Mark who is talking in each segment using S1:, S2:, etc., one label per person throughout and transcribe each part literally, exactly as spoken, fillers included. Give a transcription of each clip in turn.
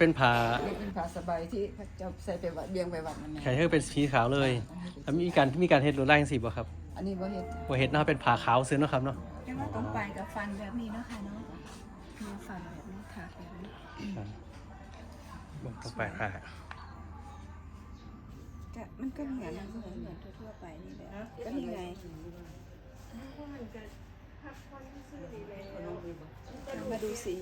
S1: เป็นผ้า
S2: นี่เป็นผ้าสบายที่จะใส่ไปวัดเบียงไปวัดนั่นเอง
S1: แขนเธอเป็นสีขาวเลยแล้วมีการมีการเฮ็ดลวดลายจังซี่บ่ครับ
S2: อันนี้บ่เฮ็ด
S1: บ่เฮ็ดเนาะเป็นผ้าขาวซื่อเนาะครับเนาะ
S3: แต่ว่าตรงปลายกับฟันแบบนี้เนาะค่ะเนาะมีฟันแบบนี้ถากแบบนี้
S1: เบิ่งตรงปลายผ้า
S3: แต่มันก็เหมือนเหมือนเหมือนทั่วๆไปนี่แหละก็นี่ไงมาดูสี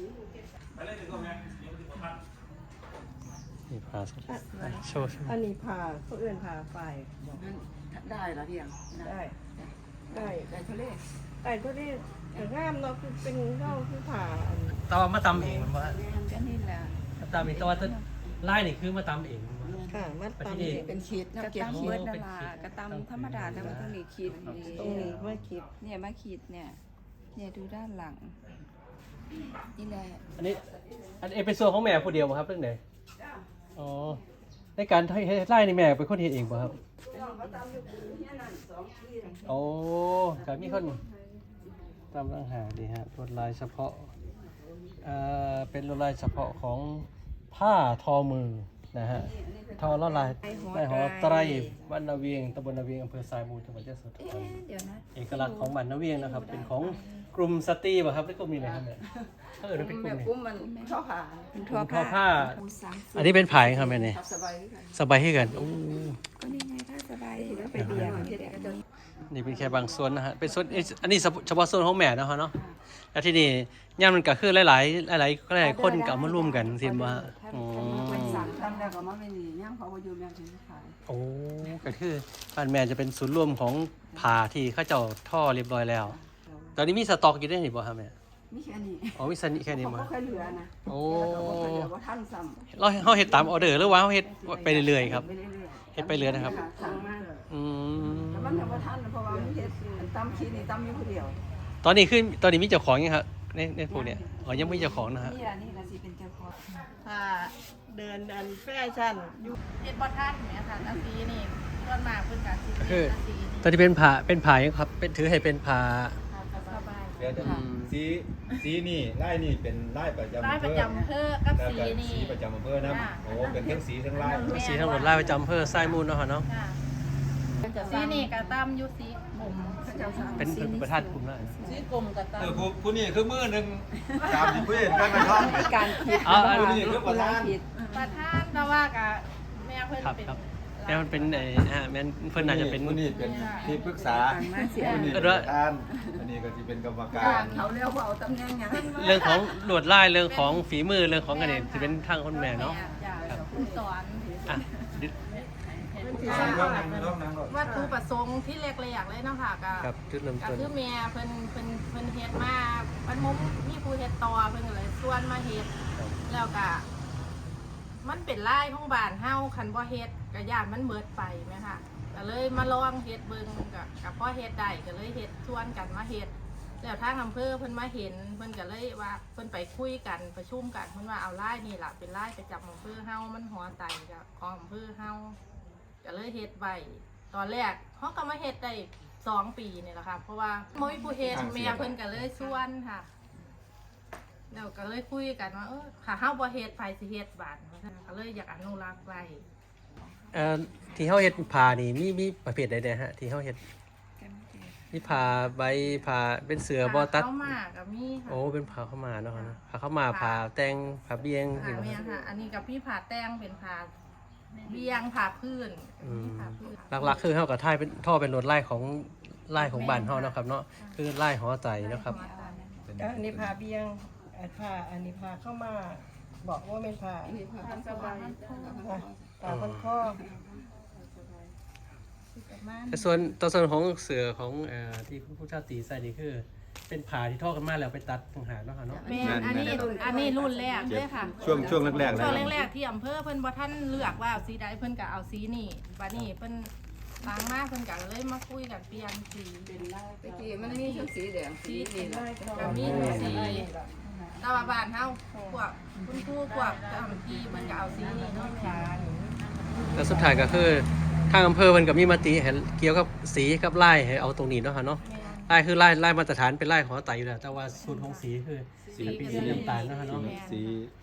S1: นี่ผ้าโชว์
S4: อันนี้ผ่าเขาเอื่นผ่าไฟ
S2: นั่นได้ละเพียง
S4: ได้ ได้
S2: ได้ทะเล
S4: แต่ก็ได้แต่งามเนาะคือเป็นเงาคือผ่าอัน
S1: ตามาตำเองมันว่า
S3: ก็นี่แหละ
S1: ตำเองแต่ว่าลายนี่คือมาตำเองมันว่า
S4: ค่ะมัดตาม
S1: ประเทศ
S2: เป็นขีด
S3: กระ
S2: น้ำเก็บ
S3: ตำ
S2: ขี
S3: เบิ
S2: ด
S3: ดดารากระตำธรรมดาแต่ว่าตรงนี้ขีด
S4: ตรงนี้ไม่คิด
S3: เนี่ยมาขีดเนี่ยเนี่ยดูด้านหลังนี่แหละ
S1: อันนี้อันนี้เป็นส่วนของแม่ผู้เดียวบ่ครับเรื่องไหนอ๋อในการให้ให้ไล่นี่แม่เป็นคนเฮ็ดเองบ่ครับโอ้ก็มีคนตามลังหาดีฮะลวดลายเฉพาะเอ่อเป็นลวดลายเฉพาะของผ้าทอมือนะฮะทอลวดลายในหอไตรบ้านนาเวียงตำบลนาเวียงอำเภอทรายมูลจังหวัดยโสธร
S3: เอ๊ะเดี๋ยวนะ
S1: เอกลักษณ์ของบ้านนาเวียงนะครับเป็นของกลุ่มสตรีป่ะครับหรือกลุ่มนี้เลยครับเนี่ยเออเป็นกลุ่
S2: แม่
S1: มนี้
S2: ปุ้มมันช่อผ้า
S3: เป็นทั่ว
S1: ทอผ้า
S3: ผ้าสามสิบ
S1: อันนี้เป็นผายครับแม่เนี่ย
S2: ทับสบายกัน
S1: สบายให้กันโอ้
S3: ก็นี่ไงถ้าสบายแล้วไปเบียร์นี่แหละ
S1: นี่เป็นแค่บางส่วนนะฮะเป็นส่วนอันนี้เฉพาะส่วนของแม่นะฮะเนาะแล้วที่นี่ย่ามมันก็คือหลายๆหลายๆหลายๆคนก็เอามาร่วมกันสิว่าอ๋อ
S2: สั่งทำแล้วก็มาไม่หนีย่างเขาไปอยู่แม่ถึงขาย
S1: โอ้ก็คือบ้านแม่จะเป็นศูนย์รวมของผ้าที่เขาเจ้าท่อเรียบร้อยแล้ว ตอนนี้มีสต็อกอยู่ได้หรือเปล่าครับแม่
S2: มีแค่นี้
S1: อ๋อมีสนิแค่นี้
S2: เขา
S1: มา
S2: ก็เคยเหลือนะ
S1: โอ้
S2: เขาก็เคยเหลือว่าท่านซ้ำ
S1: เราเฮาเฮ็ดตามออเดอร์หรือว่าเฮาเฮ็ดไปเรื่อยๆครับ
S2: ไปเรื่อยๆ
S1: เฮ็ดไปเรื่อยนะครับ
S2: ทางมา
S1: อืม
S2: แต่มันทำว่าท่านเพราะว่ามันเฮ็ดตำชีนี่ตำอยู่คนเดียว
S1: ตอนนี้คือตอนนี้มีเจ้าของยังครับในในพวกเนี้ยอ๋อยังไม่มีเจ้าของนะฮะ
S3: นี่ละนี่ละสิเป็นเจ้าของ
S4: ผ่าเดินอันแฟชั่นอยู่
S5: เฮ็ดบ่ทันเนี่ยค่ะตาสีนี่ส่วนมากเพิ่นก็สิ
S1: ก็คือ
S5: ตาสีนี่
S1: ตอนนี้เป็นผ้าเป็นผ้ายังครับเป็นถือให้เป็นผ้า
S5: สบาย
S6: เดี๋ยวจะสีสีนี่ไล่นี่เป็นไล่ประจำ
S5: ร้าน
S6: อำ
S5: ป
S6: เภ
S5: ระ
S6: อ
S5: จำอำเภอกับ
S6: แล้ว
S5: สี
S6: ก็
S5: นี่
S6: สีประจำอำเภอนะ
S5: จ้ะ
S6: โอ้เป็นทั้งสีทั้งไล่
S1: สีทั้งหมดลายประจำอำเภอทรายมูลเนาะฮะเนาะ
S5: จ้ะสีนี่ก็ตามอยู่สีกลุ่ม
S1: เป็นเป็นประธานกลุ่มแล้ว
S5: สีกลุ่มก็ตาม
S6: เออผู้ผู้นี่คือมือหนึ่งตามที่ผู้เห็นกันนะครับ
S3: การคิด
S1: อ๋อ
S6: ผู้นี่คือประธาน
S3: คิด
S5: ประธานแต่ว่าก็แม่เพิ่น
S1: ครับ
S5: เป็น
S1: ครับแม่มันเป็นไอ้ฮะแม่นเพิ่นน่าจะเป็น
S6: ผู้นี่เป็นที่ปรึกษา
S3: มาเสีย
S6: ผู้นี่เป็นประธานอันนี้ก็จะเป็นกรรมการ
S2: เขาเรียกว่าเอาตำแหน่งหยัง
S1: เรื่องของลวดลายเรื่องของฝีมือเรื่องของอันนี้จะเป็นทางคนแม่เนาะ
S5: จ้ะผู้สอน
S1: อ่ะ
S6: ร่องนั่งร่องนั่งก่อน
S5: วัตถุประสงค์ที่แรกๆเลยเนาะค่ะก็
S1: ครับจุดเริ่ม
S5: ก็
S1: ต้น
S5: คือแม่เพิ่นเพิ่นเพิ่นเฮ็ดมาเพิ่นมุมมีผู้เฮ็ดต่อเพิ่นก็เลยส่วนมาเฮ็ดแล้วก็มันเป็นลายของบ้านเฮาคันบ่เฮ็ดก็ย่านมันเบิดไปแม่ค่ะก็เลยมาลองเฮ็ดเบิ่งก็ก็พอเฮ็ดได้ก็เลยเฮ็ดชวนกันมาเฮ็ดแล้วทางอำเภอเพิ่นมาเห็นเพิ่นก็เลยว่าเพิ่นไปคุยกันประชุมกันเพิ่นว่าเอาลายนี่ล่ะเป็นลายประจำอำเภอเฮามันหัวไตกับของอำเภอเฮาก็เลยเฮ็ดไว้ตอนแรกเฮาก็มาเฮ็ดได้สองปีนี่แหละค่ะเพราะว่าบ่มีผู้เฮ็ดแม่เพิ่นก็เลยชวนค่ะแล้วก็เลยคุยกันว่าเออถ้าเฮาบ่เฮ็ดไผสิเฮ็ดบาดก็เลยอยากอนุรักษ์ไว้
S1: เอ่อที่เฮาเฮ็ดผ้านี่มีมีประเภทใดๆฮะที่เฮาเฮ็ดมีผ้าใบผ้าเป็นเสือบ่ตัด
S5: เข้ามากับมีค่ะ
S1: โอ้เป็นผ้าเข้าวมาเนาะนะผ้าเข้าวมาผ้าแต่งผ้าเบียง
S5: ค่ะ
S1: นี่
S5: เมีย
S1: เนาะ
S5: ค่ะ อันนี้กับพี่ผ่าแต้งเป็นผ่าเบียงผ่าพื้น
S1: อืม
S5: ผ่าพื้น
S1: หลักๆคือเฮากับท่ายเป็นท่อเป็นลวดลายของลายของบ้านเฮาเนาะครับเนาะคือลายหอใจเนาะครับ
S4: ก็อันนี้ผ่าเบี้ยงอันผ่าอันนี้ผ่าเข้ามาบอกว่าเป็นผ่า
S2: นี่ผ้า
S5: สบาย
S4: อ่ะผ่าพันข้อ
S1: แต่ส่วนตัวส่วนของเสือของเอ่อที่ผู้ชาติใส่นี่คือเป็นผ้าที่ทอกันมาแล้วไปตัดต่างหากเนาะค่ะเนาะ
S5: แม่นอันนี้อันนี้รุ่นแรกเลยค่ะ
S6: ช่วงช่วงแรกๆเลย
S5: ช่วงแรกๆที่อำเภอเพิ่นบ่ท่านเลือกว่าเอาสีใดเพิ่นก็เอาสีนี่บัดนี้เพิ่นล้างมาเพิ่นก็เลยมาคุยกันเปลี่ยนสีเป็นลาย
S2: ตะกี้มันมีทั้งสีแดงสีนี่แหละ
S5: ก็มีสีแต่ว่าบ้านเฮาพวกคุณครูพวกเจ้าหน้าที่เพิ่นก็เอาสีนี่เนาะแม่
S1: แล้วสุดท้ายก็คือทางอำเภอมันก็มีมติให้เกี่ยวกับสีกับลายให้เอาตรงนี้เนาะค่ะเนาะลายคือลายลายมาตรฐานเป็นลายหอไตอยู่แล้วแต่ว่าสูตรของสีคือ
S6: สี
S1: เป็นสีน้ำตาลเนาะค่ะเนาะ
S6: สี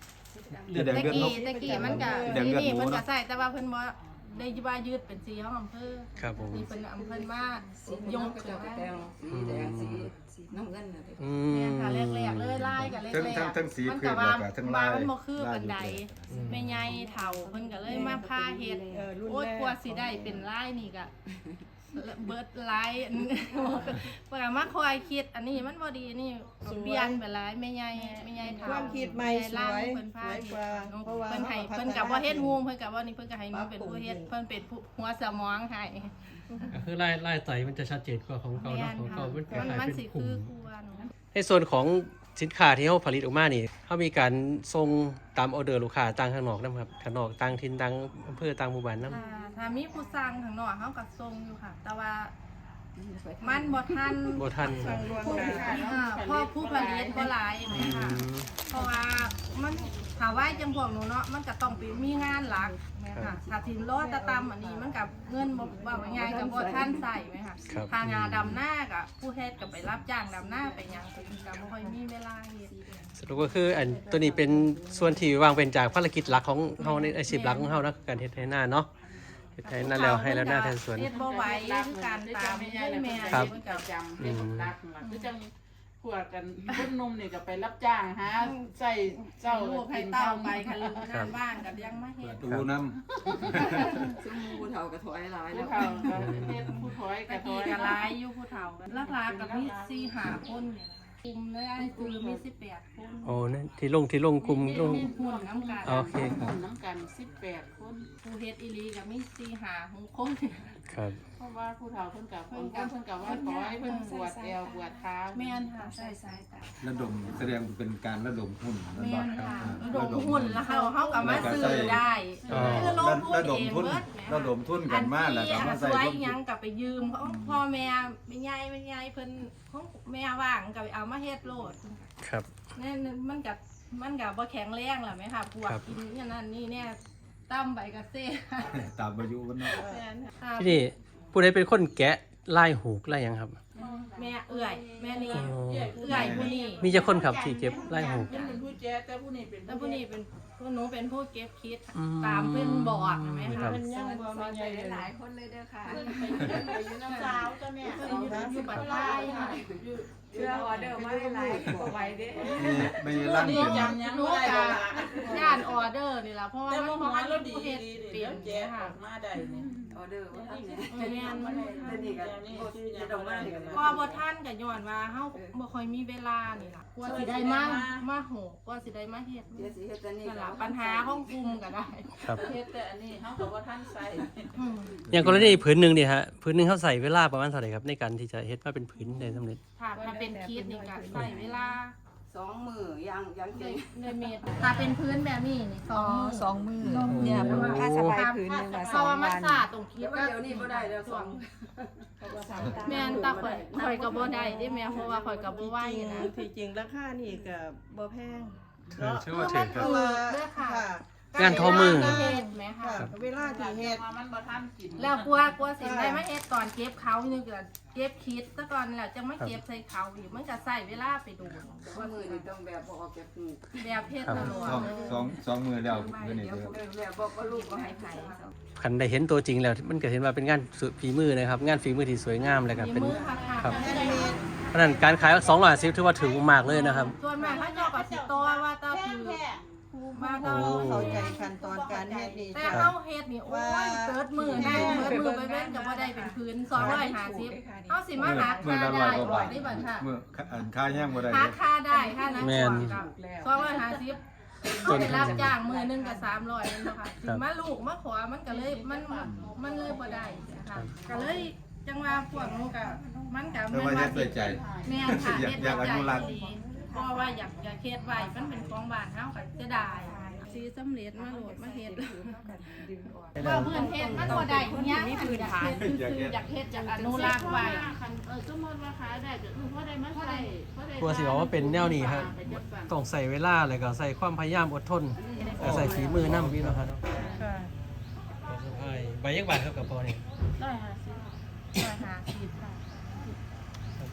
S1: เลือด
S6: แดง
S5: ตะ
S6: เลือดน
S5: กี้
S6: ก
S5: ตะกี้มันก็
S6: แดงเลือด
S5: นี่
S6: หมู
S5: เพิ่นก็
S6: เนาะ
S5: ใส่แต่ว่าเพิ่นบ่ได้ว่ายืดเป็นสีของอำเภอ
S1: ครับผม
S5: นี่เพิ่นอำเภอมา
S2: สี
S5: ย
S2: ย
S5: ง
S2: ง
S5: ขึ้
S2: เจ้าน ก็
S5: มา
S2: แดงสีแดงสีสีน้ำเงินน่ะ
S1: อื
S5: แม่
S1: ม
S5: นค่ะแรกๆเลยลายก็แรก
S6: ทั้งทั้งทั้งสี
S5: ๆมัน
S6: พื้
S5: ก็
S6: น
S5: ว่า
S6: แล้วก็ทั้ง
S5: ว่า
S6: ลาย
S5: มันบ่คือ
S6: ลาย
S5: ปานใด
S1: อืม
S5: แม่ใหญ่เฒ่าเพิ่นก็เลยมาพาเฮ็ด
S4: เออรุ่น
S5: โอ๊ย
S4: แรก
S5: กลัวสิได้เป็นลายนี่ก็เบิดลายอันเพิ่นก็มาคอยคิดอันนี้มันบ่ดีนี่เปลี่ยนไปหลายแม่ใหญ่แม่ใหญ่เฒ่า
S4: ความคิดใหม่สวย
S5: เพิ่นพา
S4: สวยกว่าเพราะว่า
S5: เพิ่นให้
S4: เขาพัฒนา
S5: เพิ่นก็บ่เฮ็ดฮูมเพิ่นก็บ่นี่เพิ่นก็ให้หนูเป็นผู้เฮ็ดเพิ่นเป็นผู้หัวสมองให้
S1: ก็คือไล่ไล่ไตมันจะชัดเจนกว่าของเก่าเนาะของเก่ามันค
S5: มัน
S1: ล้าย
S5: มั
S1: ๆ
S5: น
S1: เป็น
S5: สิ
S1: กลุ่
S5: คื
S1: ม
S5: อกวน
S1: ในส่วนของสินค้าที่เขาผลิตออกมานี่เขามีการส่งตามออเดอร์ลูกค้าต่างข้างนอกนะครับข้างนอกต่างถิ่นต่างอำเภอต่างหมู่บ้านนำ
S5: ถ้าถ้ามีผู้สั่งข้างนอกเฮาก็ส่งอยู่ค่ะ แต่ว่ามันบ่ทัน
S1: บ่ทันครับ
S4: รวม
S5: ผู้
S4: กัน
S5: อ่าเพราะผู้ผลิตบ่หลายแม่
S1: อื
S5: ค่ะ
S1: ม
S5: เพราะว่ามันถ้าไว้จังพวกหนูเนาะมันก็ต้องไปมีงานหลักแม่ค่ะถ้าทิมรอตะตำอันนี้มันกับเงินบ่ว่าง่ายๆก็บ่ทันใส่แม่ค่ะ
S1: ครับ
S5: ทางงานดำหน้าก็ผู้เฮ็ดก็ไปรับจ้างดำหน้าไปหยังก็บ่ค่อยมีเวลาเฮ็ด
S1: สรุปก็คืออันตัวนี้เป็นส่วนที่วางเป็นจากภารกิจหลักของเฮาในอาชีพหลักของเฮานะการเฮ็ดไถนาเนาะเฮ็ดไถนาแล้วให้แล้วหน้าแทนสวน
S5: เฮ็ดบ่ไหวคือการตามให้แม่
S1: ครับ
S5: มันก็
S7: จำเป็นคนรักหลักคือจังพวกกันคนหนุ่มนี่ก็ไปรับจ้างหาใส่เจ้า
S5: ลูกให้
S7: กิน
S5: เต้า
S7: ข้าว
S5: ไป
S7: ไป
S5: ค่ะลูกงานบ้านก็ยังมาเฮ็ด
S6: ดูน้
S2: ซึ่งผู้เฒ่าก็ถอยหลาย
S7: ผู้
S2: แล้ว
S7: เฒ่าก็เฮ็ดผู้ถอย
S5: ตะ
S7: ก็ถ
S5: กี้
S7: อย
S5: ก็หลายอยู่ผู้เฒ่ากันหลักๆก็มีสี่ห้าคนนี่แหละกลุ่มเลยไอ้คือมีสิบแปดคน
S1: โอ้นั่นที่ลงที่ลงกลุ่มลง
S5: หุ่นน้ำกัน
S1: โอเคครับ
S7: น้ำกันสิบแปดคน
S5: ผู้เฮ็ดอีหลีก็มีสี่ห้าหกคน
S1: ครับ
S7: เพราะว่าผู้เฒ่าเพิ่นกับเพิ่นกับเพิ่นกับว่าถอยเพิ่นปวดแอวปวดเท้า
S5: แม่นค่ะใส่สายตา
S6: ำระดมแสดงเป็นการระดมหุ้นนั่น
S5: แม่
S6: บ่
S5: น
S6: ครับ
S5: ค่ะ
S6: อ่า
S5: ระดมหุ้นแล้วเขาเขาก็มาซื้อได้
S1: อ๋อ
S5: คือลงทุน
S6: ระด
S5: เอ
S6: ม
S5: ง
S6: ทุน
S5: เบิด
S6: ระดมทุนกันมาแล้วก็มา
S5: ส
S6: ใส่
S5: วย
S6: ร่วม
S5: หยังกับไปยืมเขาพ่อแม่แม่ใหญ่แม่ใหญ่เพิ่นของแม่ว่างก็ไปเอามาเฮ็ดโลด
S1: ครับ
S5: นั่นมันกับมันกับบ่แข็งแรงล่ะแม่ค่ะปวด
S1: ครับ
S5: กินอย่างนั้นนี่เนี่ยตั้มใบกระเซ่
S6: ตามอายุวันเนาะ
S5: แม่นค่ะ
S1: ที่นี่ผู้ใดเป็นคนแกะลายหูกลายหยังครับ
S5: แม่เอื้อยแม่นี่
S1: อ๋อ
S5: เอื้อยผู้นี้
S1: มีจะคนครับที่เก็บลายหูก
S7: เพิ่นเป็นผู้แจ้แต่ผู้นี้เป็น
S5: แล้วผู้นี้เป็นผู้หนูเป็นผู้เก็บคิด
S1: อืม
S5: ตามเพิ่นบอกนะแม่
S1: ครั
S5: ค่ะ
S1: บ
S7: เพิ่นยังบ่มีใหญ่เลย
S2: หลายคนเลยเด้อค่ะ
S7: เพิ่นไปเพิ่นไปอยู่น้ำสาวจ้ะแม่
S5: เพิ่นอยู่อยู่ปัตตายค่ะ
S2: เชื่อออเดอร์มาหลายบ่ไหวเด้
S6: มีมีร่าง
S7: นี่
S6: เป็น
S7: จำยัง
S5: หนู
S7: บ่ได้
S5: กะ
S7: ดอกล่ะ
S5: ย่านออเดอร์นี่ล่ะเพราะว่า
S7: แต่
S5: มัน
S7: ว่า
S5: บ่
S7: หัว
S5: ทัน
S7: เราดี
S5: ผู้เฮ็ด
S7: ดี
S5: เปลี่
S7: เดี๋
S5: ย
S7: ย
S5: น
S7: วแจ้
S5: ค่ะ
S7: ออกมาได้นี่
S2: ออเดอร์ว่าท่านเนี่ย
S5: แม่นมัน
S2: แต่นี่ก็จะต้องมากัน
S5: ก็บ่ทันก็ย้อนว่าเฮาบ่ค่อยมีเวลานี่ล่ะกว่าสิได้มามาโหกว่าสิได้มาเฮ็ด
S2: เดี๋ยวสิเฮ็ดแต่นี่
S5: นั่นล่ะปัญหาของกลุ่มก็ได้
S1: ครับ
S7: เฮ็ดแต่อันนี้เฮาก็บ่ทันใส่
S5: อืม
S1: อย่างกรณีผืนหนึ่งเนี่ยฮะผืนหนึ่งเขาใส่เวลาประมาณเท่าไหร่ครับในการที่จะเฮ็ดมาเป็นผืนได้สำเร็จ
S5: ถ้าถ้าเป็นคิดนี่ก็ใช้เวลา
S2: สองมือย่างยัง
S5: ใน
S2: เก่ง
S5: ในเมตรถ้าเป็นพื้นแบบนี้นี่สองมือ
S2: สองมือเนี่ยผ้าสบายผืนนึงว่า
S5: เพ
S2: สอ
S5: ราะ
S2: ง
S5: ว่ามัน
S2: วัน
S5: สาดตรงคิด
S2: เดี๋ยวเดี๋ยวนี้บ่ได้แล้วสอง
S5: แม่นตาข่อยข่อยก็บ่ได้เด้แม่เพราะว่าข่อยก็บ่ไหวนะ
S4: ที่จริงราคานี่ก็บ่แพง
S1: ถือชื่อว่าถือครับ
S4: เพราะว่า
S5: เด้อค่ะ
S4: ค่ะ
S1: งานทอมือ
S5: เฮ็ดแม่ค่ะ
S4: ค่ะเวลาที่เฮ็ด
S7: ว่ามันบ่ทันกิน
S5: แล้วกลัวกลัวสิได้มาเฮ็ดตอนเก็บเขานี่ก็เก็บคิดซะก่อนแล้วจังมาเก็บใส่เขาอีกมันก็ใช้เวลาไปโดน
S2: สองมือนี่ต้องแบบบ่ออกจากหู
S5: แบบเฮ็ดตลอด
S6: สอง
S5: เลย
S6: สองสองมือแล้วเดี๋ยวนี้
S2: เดี๋ยว
S6: เดี๋ยว
S2: แบบบอกว่าลูกก็ให้ไผ
S1: คันได้เห็นตัวจริงแล้วมันก็เห็นว่าเป็นงานฝีมือนะครับ งานฝีมือที่สวยงามเลยครับ
S5: มี
S1: เป็น
S5: มือค่ะค่ะ
S1: ครับเพราะฉะนั้นการขายสองร้อยสิบถือว่าถึงมากเลยนะครับ
S5: ส่วนมากเขาเจ้าก็สิโตว่าเต้าคือมา
S4: เรา
S5: เต้า
S4: เข้าใจขั้นตอนการเฮ็ดนี่
S5: แต่
S4: จ้ะ
S5: เฮาเฮ็ดนี่โอ้ยเกิดมือได้เกิดมือไปเว้นก็บ่ได้เป็นพื้นสองร้อยห้าสิบเฮาสิมาหา
S6: มือ
S5: ค่า
S6: ละร้
S5: ได้
S6: อยกว่าบาท
S5: นี่บัดค่ะ
S6: มืออันค่าแห้งบ่ได้
S5: หา
S6: เด้
S5: ค่าได้ค่านั้น
S1: แม่
S5: ก่อน นกับสองร้อยห้าสิบเอาไปรับจ้างมือหนึงก็สามร้อยนั่นเนาะค่ะสิมาลูกมาขอมันก็เลยมันมันเลยบ่ได้นะคะก็เลยจังว่าพวกหนูก็มันก็
S6: แต่ว่าเฮ็ดด้วยใจ
S5: แม่นค่ะ
S6: อยาก
S5: เฮ็ด
S6: อยากอนุรักษ์
S5: ดีเพราะว่าอยากอยากเฮ็ดไว้มันเป็นของบ้านเฮาก็เสียดายสีสำเร็จมาโหลดมาเฮ็ดว่าเพื่อนเฮ็ดมันบ่ได้หยังมีพื้นฐานคืออยากเฮ็ดอยากอนุรักษ์ไว้
S7: เออสมมติว่าขายได้ก็คือพอได้มาใส่พอได้
S1: กลัวสิบอกว่าเป็นแนวนี้ครับต้องใส่เวลาแล้วก็ใส่ความพยายามอดทนแล้วใส่ฝีมือนำพี่เนาะครับ
S4: ค่ะ
S1: ใบยักบาทครับกับพอนี่
S5: ร้อยห้าสิบร้อยห้าสิบค่ะ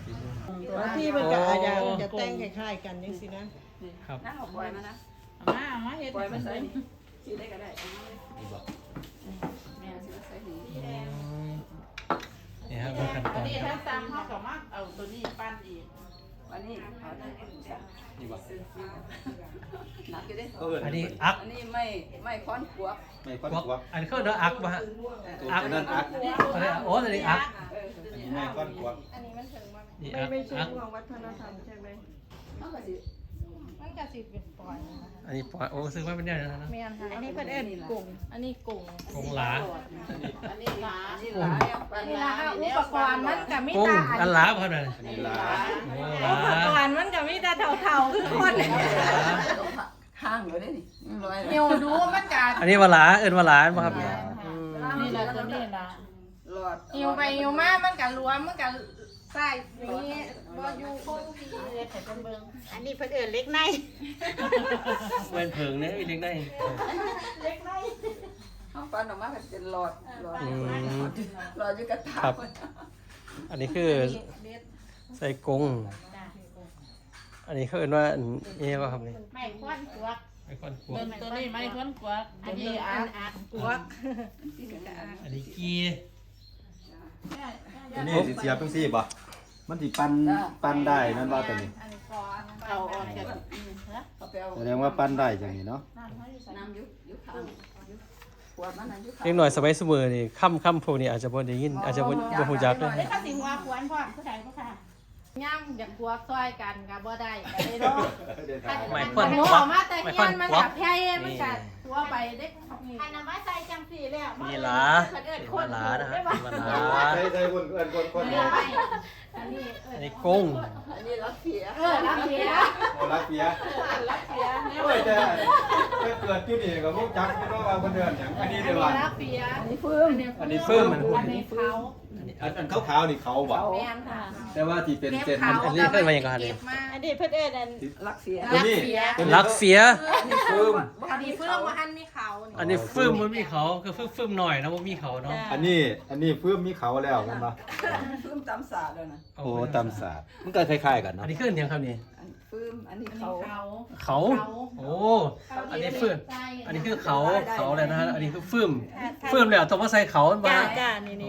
S4: บางที่มันก็อาจจะจะแต่งคล้ายๆกันจังซี่นะ
S1: ครับ
S2: น้าเอาปล่อยมานะ
S7: มามาเฮ็ด
S2: ปล่อยมัน
S7: ใส่
S2: ใส่นี่สีได้ก็ได้เอามาเลย
S6: นี่บอก
S2: แม่สิใส่นี่
S1: นี่ฮะเป็นขั้นต
S7: อั
S1: อน น
S7: นี้
S1: ค
S7: ถ้า
S1: รับ
S7: ซ้ำเขาก็มาเอาตัวนี้ปั้นอีก
S2: อันนี้เอาได้
S1: นี่บอก
S2: หนักอยู่เด้
S6: ก็เอิ้น
S1: อันนี้อัก
S2: อันนี้ไม่ไม่ค้อนกวก
S6: ไม่ค่อน
S1: กวัก
S6: กวัก
S1: อันนี้เขาเรียกว่าอักป่ะฮะ
S6: ตัวจะนั่นอัก
S1: อันนี้โอ้อันนี้อัก
S6: อันนี้ไม่ค่อนกวัก
S5: อันนี้มันถึงว่า
S1: นี่
S4: ไม่
S1: อัก
S4: ไม่ใช่
S1: อัก
S4: ห่วงวัฒนธรรมใช่ไหม
S2: เอาก็สิ
S5: มันก็สิเป็นปล่อยนะคะ
S1: อันนี้ปล่อยโอ้ซื้อมาเป็นเนี่ยนะนะ
S5: แม่นค่ะอันนี้เพิ่นเอิ้นกุ้งอันนี้กุ้ง
S1: กงหลา
S7: อันนี้หลา
S2: อันนี้หลายเอาไป
S5: อันนี้ละค่ะอุปกรณ์มันก็มี
S1: กุ้ง
S5: แต่
S1: อันหลาป่ะเนี่ย
S6: อันนี้หลา
S1: โอ้
S5: อุป
S1: หลาก
S5: รณ์มันก็มีแต่เท่าๆคือคน
S2: ห้างเลยเด้นี่ร้อยเลย
S5: เหี่ยวดูมันก็
S1: อันนี้ว่าหลาเอิ้นว่าหลาป่ะครับเนี่ยอืม
S7: นี่ละตัวนี้ละ
S2: หลอด
S5: เหี่ยวไปเหี่ยวมามันก็รวมมันก็ใส่อย่างนี้บ่อยู่คงที่เลยแต่เบิ่งอันนี้เพิ่นเอิ้นเล็กใน
S1: เว้นเพิงเนี่ยอีเล็กได้
S2: ห้องฟันออกมาก็เป็นหลอดหลอด
S1: อืม
S2: หลอดอยู่กระถา
S1: ครับ อันนี้คือใส่กงอันนี้เขาเอิ้นว่าอันนี้ป่ะครับนี่
S5: ไม่ควนตัว
S1: ไอคอนกว
S7: ตัว
S1: ก
S7: ตัวนี้ไม่ค่อนกวัก
S5: อั
S7: ตั
S5: น
S7: ว
S5: นี้
S7: นี้
S5: อั
S7: อั
S5: น
S7: ก
S5: อันกวก
S1: อันนี้กี
S6: อันนี้สิเสียบจังซี่บ่มันสิปั้นปั้นได้นั่นว่าตัวนี้
S5: อันนี้กอ
S7: เอาออกจาก
S2: เอาไปเอา
S6: แสดงว่าปั้นได้จังนี้เนาะ
S2: น้ำยุบยุบข้างขวดมันน้ำยุบข้าง
S1: เล็กหน่อยสมัยสมือนี่ค่ำค่ำพวกนี้อาจจะบ่ได้ยินอาจจะบ่บ่ฮู้จักเลย
S5: ได้ก็สิว่าควรพร้อมผู้ใดผู้ค่ะย่ำอยากกวกซอยกันก็บ่ได้ก็ได้เนาะ
S1: ไม่
S5: ค
S1: ค่อน
S5: น
S1: กวัก
S5: มาแต่
S1: ไม่
S5: เฮี
S1: ค่อย น
S5: นมัน
S1: กวั
S5: กั
S1: ก
S5: บแพ้มันกัดตัวไปเด็กอันนั้นมาใส่จังสี่แล้ว
S1: นี่หลา
S5: เอิ้น
S1: นี่
S5: ค
S1: ว่าน หลานะฮะนี่ว่าหลา
S6: ใส่ใส่คนเอิ้นคนคน
S5: เอิ้นไปอันนี้เอิ้
S1: อัน
S5: น
S1: นี้กุ้ง
S2: อันนี้รักเสีย
S5: เออรับเสีย
S6: โอ้รักเปีย
S5: รับเสีย
S6: โอ้ยแต่แต่เกิดอยู่นี่ก็รู้จักไม่ต้องว่าเพิ่นเดินหยังอันนี้
S5: อัน
S6: เด้อ
S5: นี้
S6: ว่า
S5: รับเสีย
S2: อันนี้ฟื้น
S1: อันนี้เฟิ่มมัน
S5: อันนี้เขา
S6: อันอันขาวๆนี่เขาบ่
S5: แม่นค่ะ
S6: แต่ว่าที่เป็นเส้น
S5: เขา
S1: อันนี้เคยมาอย่างไร
S5: เก็บมา
S3: อันนี้เพิ่นเอิ้นอัน
S2: รักเสีย
S6: ตัวนี้
S1: ลักเสีย
S6: เพิ่ม
S5: อันนี้เพิ่มมาอันมีเขา
S1: อันนี้ฟึ่มมันมีเขาคือฟึ่มฟึ่มหน่อยนะว่ามีเขาเนาะ
S6: อันนี้อันนี้เพิ่มมีเขาแล้วแม่นบ่
S2: ฟื้นตำสาดเลยนะ
S6: โอ้ตำศาสตร์มันก็คล้ายๆกัน
S1: อั
S6: เนาะ
S1: นนี้ขึ้นยังครับนี่
S2: อันฟื้นอันนี้
S5: อัน
S2: เขา
S5: นี้เขา
S1: เขาโอ้อันนี้ฟึ่มอันนี้คือเขาเขาเลยนะฮะอันนี้คือฟึ่มฟึ่มแล้วต้องมาใส่เขาบ้า
S3: จ้าง จ้านี่
S1: อ๋
S3: นี่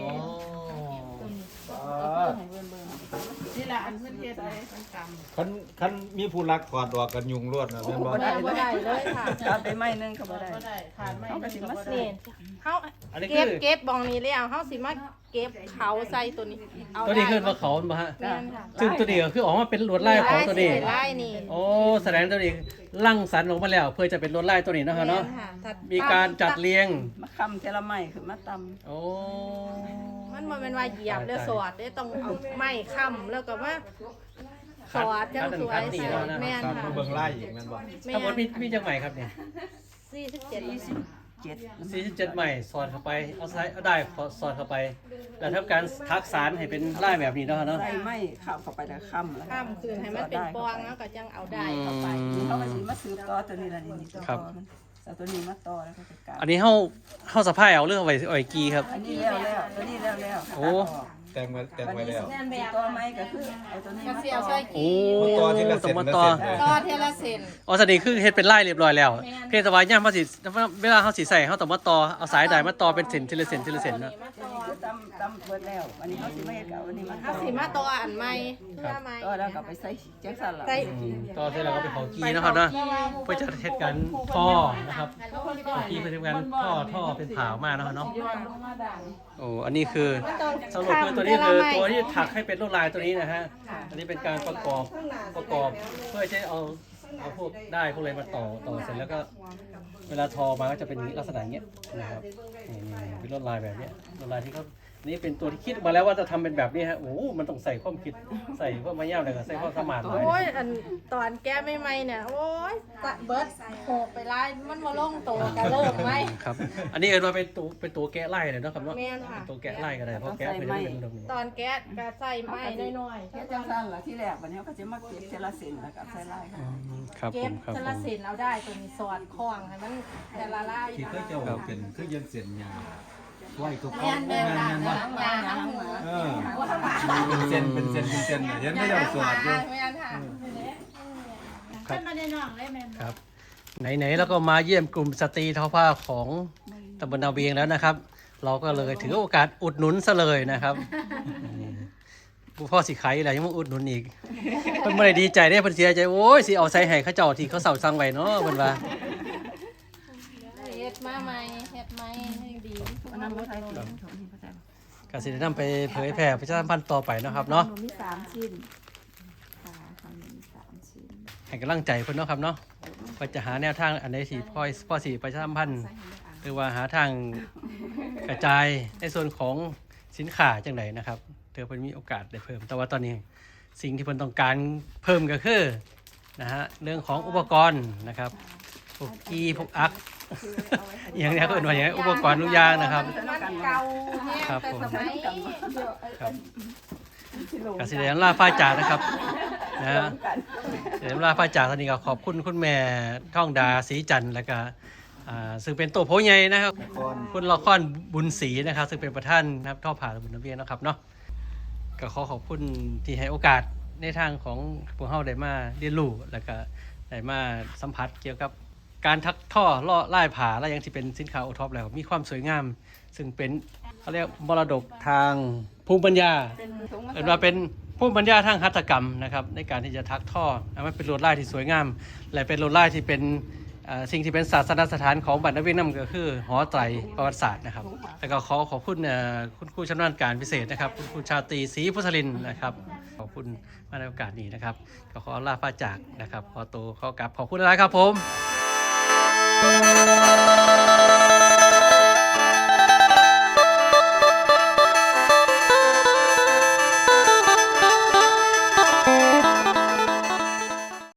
S1: อ
S7: นี่แหละอันเพื่อนเฮ็ดเลยมันกำ
S6: คันคันมีผู้รักถอดออกกันยุงรวดนะแม่นบ่
S2: บ่ได้บ่ได้เลยค่ะตัดไปไม้นึงก็บ่ได้
S7: ก็ได้ขาดไม่
S2: เอากระสิมาใส่
S5: นี่เขา
S1: อันนี้
S5: เก็
S1: คื
S5: บ
S1: อ
S5: เก็บบองนี้แล้วเขาสิมาเก็บเขาใส่ตัวนี้เอา
S1: ตัวนี้คือว่าเขาบ้าฮะ
S5: แม่นค่ะ
S1: ซึ่งตัวนี้ก็คือออกมาเป็นลวดลายของตัวนี้
S5: ลายนี่
S1: โอ้แสดงตัวนี้ลั่งสรรค์ออกมาแล้ว เพื่อจะเป็นลวดลายตัวนี้เนาะครับเนาะ
S5: แม่ค่ะถ้
S1: มีการจัดเรียง
S2: มาคำเทละไม้ขึ้นมาต
S1: โอ้
S5: มันบ่แม่นว่าเหยียบแล้วสอดได้ต้องเอาไม้ค้ำแล้วก็ว่าสอดจังสวยใส่แม่น
S6: ครับ
S5: ค่ะ
S6: มาเบิ่งไล่อีกแม่นบ่
S5: แม่
S1: ทั้งหมดมี
S5: น
S1: มีจังใหม่ครับเนี่ย
S5: สี่สิบเจ็ด
S2: ำเจ็ด
S1: สี่สิบเจ็ดใหม่สอดเข้าไปเอาซ้ายเอาได้สอดเข้าไป แล้วทำการทักษานให้เป็นลายแบบนี้เนาะเนาะ
S2: ใส่ไม้ข้าวเข้าไปแล้วคำแล้ว
S5: ค้ำคืนให้มันเป็นปองแล้วก็จังเอาได้เข้าไป
S2: เขาก็สิมาซื้อต่อตัวนี้ละนี่นี่ตัวต่อมันเอาตัวนี้มาต่อแล้วก็จะกลับ
S1: อันนี้เฮาเฮาสะพายเอาเรื่องเอาไว้เอาไว้กีครับ
S2: อันนี้แล้วแล้วตัวนี้แล้วแล้ว
S1: โอ้
S6: แต่งไว้แต่ง
S2: วัน
S6: ไว้
S2: นี้
S6: แล้ว
S2: สิสีต่อไม้ก็คือเอาตัวนี้
S5: ก็
S2: มา
S5: เสีย
S2: ต่
S5: ว
S2: อ
S5: ใส่
S1: โอ้
S5: กี
S6: ต่อทีละเส้น
S1: ต้องมา
S6: ละ
S1: ต่อ
S6: เส้นเลย
S5: ต่อเทละเซน
S1: อ๋อสนี้คือเฮ็ดเป็นลายเรียบร้อยแล้ว เพียงแต่ว่าย่ามเฮาสิเวลาเฮาสิใส่เฮาต้องมาต่อเอาสายใดมาต่อเป็นเส้นทีละเส้นทีละเส้นนะ
S2: คือตำตำเบิดแล้ววันนี้เขาสิมาเฮ็ดกับวันนี้มาต่
S5: ถ้า
S2: อ
S5: สีมาตัวอันใหม่เพื่อใหม่
S2: ต่อแล้วก็ไปใส่แจ็คสันละ
S5: ใส่
S1: อืมต่อเสร็จแล้วก็เป็นของกีนะครับเนาะเพื่อจะเฮ็ดกันท่อนะครับกีเพื่อทำการท่อท่อเป็นผาวมาเนาะเนาะ
S7: ย้อนลงมาด่าง
S1: โอ้อันนี้คือสรุปคือตัวนี้คือตัวที่ถักให้เป็นลวดลายตัวนี้นะฮะ อันนี้เป็นการประกอบประกอบเพื่อจะเอาเอาพวกได้พวกอะไรมาต่อต่อเสร็จแล้วก็เวลาทอมาก็จะเป็นลักษณะอย่างเงี้ยนะครับนี่นี่เป็นลวดลายแบบเนี้ยลวดลายที่เขานี่เป็นตัวที่คิดมาแล้วว่าจะทำเป็นแบบนี้ฮะโอ้มันต้องใส่ความคิดใส่พวกไม้ย่ามอะไรก็ใส่พวกสมานหน่อย
S5: โอ้ยอันตอนแก้ไม่ไม่เนี่ยโอ้ยตะเบิร์ดโหไปไล่มันมาลงตัวกันเริ่มไหม
S1: ครับ อันนี้เอิ้นว่าเป็นตัวเป็นตัวแกะไล่เลยเนาะครับเนาะ
S5: แม่นค่ะ
S1: เป็นตัวแกะไล่ก็ได้เพราะแกะไม่ได้เป็นตรงนี้
S5: ตอนแก๊สก็ใส่ไม้น้อย
S2: แจ็คสันละที่แรกวันนี้เขาก็จะมาเก็บเทละเซนแล้วก็ใส่ลายค่ะ
S1: ครับ
S5: ๆ
S1: ผ
S5: เก็บ
S1: มครับ
S5: เท
S1: ผ
S5: ละ
S1: ม
S5: เซนเอาได้ตัวนี้สอดคล้องให้มันแต่ละลาย
S6: ที่เคยเจ้าเป็นคือยังเส้นยาวไว้ทุกค
S5: แม่
S6: น
S5: น
S6: แม่
S5: แม่น
S6: น
S5: ค่ะ
S6: แม่นบ่
S5: ยาทั้งหัว
S6: เออเป็นเส้นเป็นเส้นเป็นเส้นเห็นไม่ยอมสวดอยู่
S5: แม่นค่ะ
S1: ครับ
S3: ขึ้นมาในน้องเลยแม่น
S1: ครับไหนๆแล้วก็มาเยี่ยมกลุ่มสตรีทอผ้าของตำบลนาเวียงแล้วนะครับ เราก็เลยถือโอกาสอุดหนุนซะเลยนะครับนี่ผู้พ่อสิขายอะไรยังมาอุดหนุนอีกเพิ่นไม่ได้ดีใจได้เพิ่นเสียใจโอ้ยสิเอาใส่ให้เขาเจ้าที่เขาเสาสั่งไว้เนาะเพิ่นว่า
S5: เฮ็ดมาใหม่เฮ็ดใหม่ให้ดี
S2: อันนั้นบ่ใช่ของของที่พระเจ้า
S1: ก็สิได้นำไปเผยแพร่ประชาสัมพันธ์ต่อไปเนาะครับเนาะ
S2: มีสามชิ้นค่ะทำมีสามชิ้น
S1: ให้กำลังใจเพิ่นเนาะครับเนาะว่าจะหาแนวทางอันใดที่พ่อพ่อสิประชาสัมพันธ์หรือว่าหาทางกระจายในส่วนของสินค้าจังไดนะครับเธอเพิ่นมีโอกาสได้เพิ่มแต่ว่าตอนนี้สิ่งที่เพิ่นต้องการเพิ่มก็คือนะฮะเรื่องของอุปกรณ์นะครับพวกกีพวกอัก อย่างนี้ก็เป็นว่าอย่างนี้อุปกรณ์ทุกอย่างนะครับ
S5: มันเก่าแห้ง
S1: ครับ
S5: แต่
S1: ผม
S5: สมัย
S1: ครับกสิเดนลาฟ้าจ่านะครับนะฮะเดนลาฟ้าจ่าตอนนี้ก็ขอบคุณคุณแม่ท่องดาศรีจันทร์แล้วก็อ่าซึ่งเป็นตัวโพใหญ่นะครับคุณละครบุญศรีนะครับ ซึ่งเป็นประธานนะครับท่อผ่าบุญน้ำเวียงนะครับเนาะก็ขอขอบคุณที่ให้โอกาสในทางของพวกเฮาได้มาเรียนรู้แล้วก็ได้มาสัมผัสเกี่ยวกับการทักท่อล่อไล่ผาและยังที่เป็นสินค้าโอท็อปแล้วมีความสวยงาม ซึ่งเป็นเขาเรียกมรดกทางภูมิปัญญา
S2: เป็นถุง
S1: เรียกว่าเป็นภูมิปัญญาทางหัตถกรรมนะครับในการที่จะทักท่อให้มันเป็นลวดลายที่สวยงาม และเป็นลวดลายที่เป็นเอ่อสิ่งที่เป็นศาสนสถานของบัณฑิตนำก็คือหอไตรประวัติศาสตร์นะครับแล้วก็ขอขอบคุณเอ่อคุณครูชำนาญการพิเศษนะครับคุณครูชาตรีศรีพุทธลินนะครับขอบคุณมาในโอกาสนี้นะครับก็ขอลาพระจากนะครับขอตัวขอกลับขอบคุณหลายๆครับผม